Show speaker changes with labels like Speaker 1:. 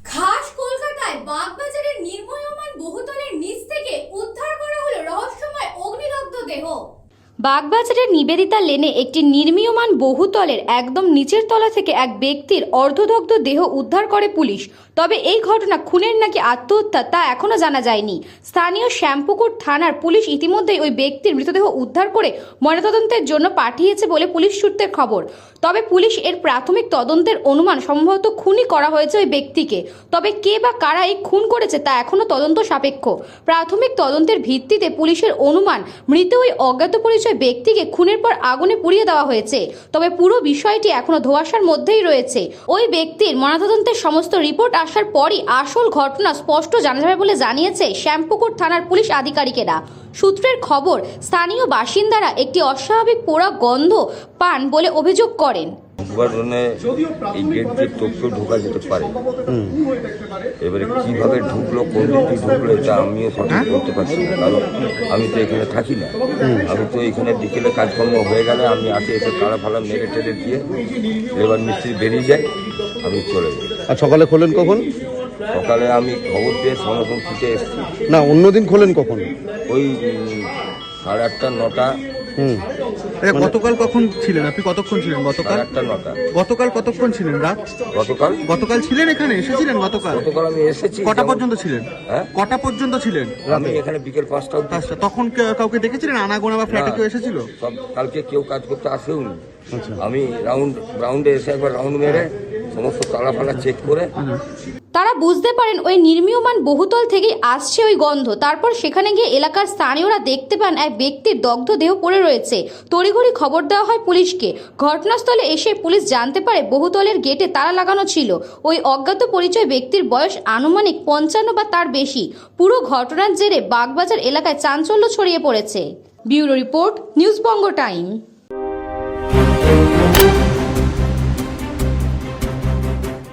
Speaker 1: খাস কলকাতায় বাগবাজারের নির্মীয়মান বহুতলের নিচ থেকে উদ্ধার করা হলো রহস্যময় অগ্নিদগ্ধ দেহ। বাগবাজারের নিবেদিতা লেনে একটি নির্মীয়মান বহুতলের একদম নিচের তলা থেকে এক ব্যক্তির অর্ধদগ্ধ দেহ উদ্ধার করে পুলিশ। তবে এই ঘটনা খুনের নাকি আত্মহত্যা তা এখনো জানা যায়নি। স্থানীয় শ্যামপুকুর থানার পুলিশ ইতিমধ্যেই ওই ব্যক্তির মৃতদেহ উদ্ধার করে ময়নাতদন্তের জন্য পাঠিয়েছে বলে পুলিশ সূত্রের খবর। তবে পুলিশ এর প্রাথমিক তদন্তের অনুমান সম্ভবত খুনই করা হয়েছে ওই ব্যক্তিকে। তবে কে বা কারা এই খুন করেছে তা এখনো তদন্ত সাপেক্ষ। প্রাথমিক তদন্তের ভিত্তিতে পুলিশের অনুমান মৃত ওই অজ্ঞাত পরিচয় ব্যক্তিকে খুনের পর আগুনে পুড়িয়ে দেওয়া হয়েছে। তবে পুরো বিষয়টি এখনো ধোঁয়াশার মধ্যেই রয়েছে। ওই ব্যক্তির ময়নাতদন্তের সমস্ত রিপোর্ট আসার পরই আসল ঘটনা স্পষ্ট জানা যাবে বলে জানিয়েছে শ্যামপুকুর থানার পুলিশ আধিকারিকেরা। সূত্রের খবর, স্থানীয় বাসিন্দারা একটি অস্বাভাবিক পোড়া গন্ধ পান বলে অভিযোগ করেন।
Speaker 2: এই গেট দিয়ে তথ্য ঢোকা যেতে পারে, এবারে কিভাবে ঢুকলো, কোন দিকে ঢুকলো এটা আমিও সঠিক করতে পারছি না, কারণ আমি তো এখানে থাকি না। আমি তো এখানে বিকেলে কাজকর্ম হয়ে গেলে আমি আসে এসে তালা ফালা মেরে টেরে দিয়ে লেবার মিস্ত্রি বেরিয়ে যাই, আমি চলে যাই।
Speaker 3: আর সকালে খোলেন কখন?
Speaker 2: সকালে আমি খবর পেয়ে সনাতন থেকে এসেছি।
Speaker 3: না, অন্যদিন খোলেন কখন?
Speaker 2: ওই 8:30 9টা।
Speaker 4: গতকাল কখন ছিলেন আপনি? কতক্ষণ ছিলেন গতকাল?
Speaker 2: 8:30 9টা।
Speaker 4: গতকাল কতক্ষণ ছিলেন? রাত গতকাল ছিলেন এখানে? এসেছিলেন গতকাল?
Speaker 2: গতকাল আমি এসেছি।
Speaker 4: কটা পর্যন্ত ছিলেন?
Speaker 2: হ্যাঁ,
Speaker 4: কটা পর্যন্ত ছিলেন?
Speaker 2: আমি এখানে বিকেল 5টা অবধি।
Speaker 4: তখন কাউকে দেখেছিলেন? আনাগোনা বা ফ্ল্যাটে কেউ এসেছিল?
Speaker 2: সব কালকে কেউ কাজ করতে আসেও নি। আমি রাউন্ডে এসে একবার রাউন্ড মেরে সমস্ত তালা ফালা চেক করে
Speaker 1: তারা বুঝতে পারেন ওই নির্মীয়মান বহুতল থেকেই আসছে ওই গন্ধ। তারপর সেখানে গিয়ে এলাকার স্থানীয়রা দেখতে পান এক ব্যক্তির দগ্ধ দেহ পড়ে রয়েছে। তড়িঘড়ি খবর দেওয়া হয় পুলিশকে। ঘটনাস্থলে এসে পুলিশ জানতে পারে বহুতলের গেটে তালা লাগানো ছিল। ওই অজ্ঞাত পরিচয় ব্যক্তির বয়স আনুমানিক 55 বা তার বেশি। পুরো ঘটনার জেরে বাগবাজার এলাকায় চাঞ্চল্য ছড়িয়ে পড়েছে। Bureau report, news Banga time.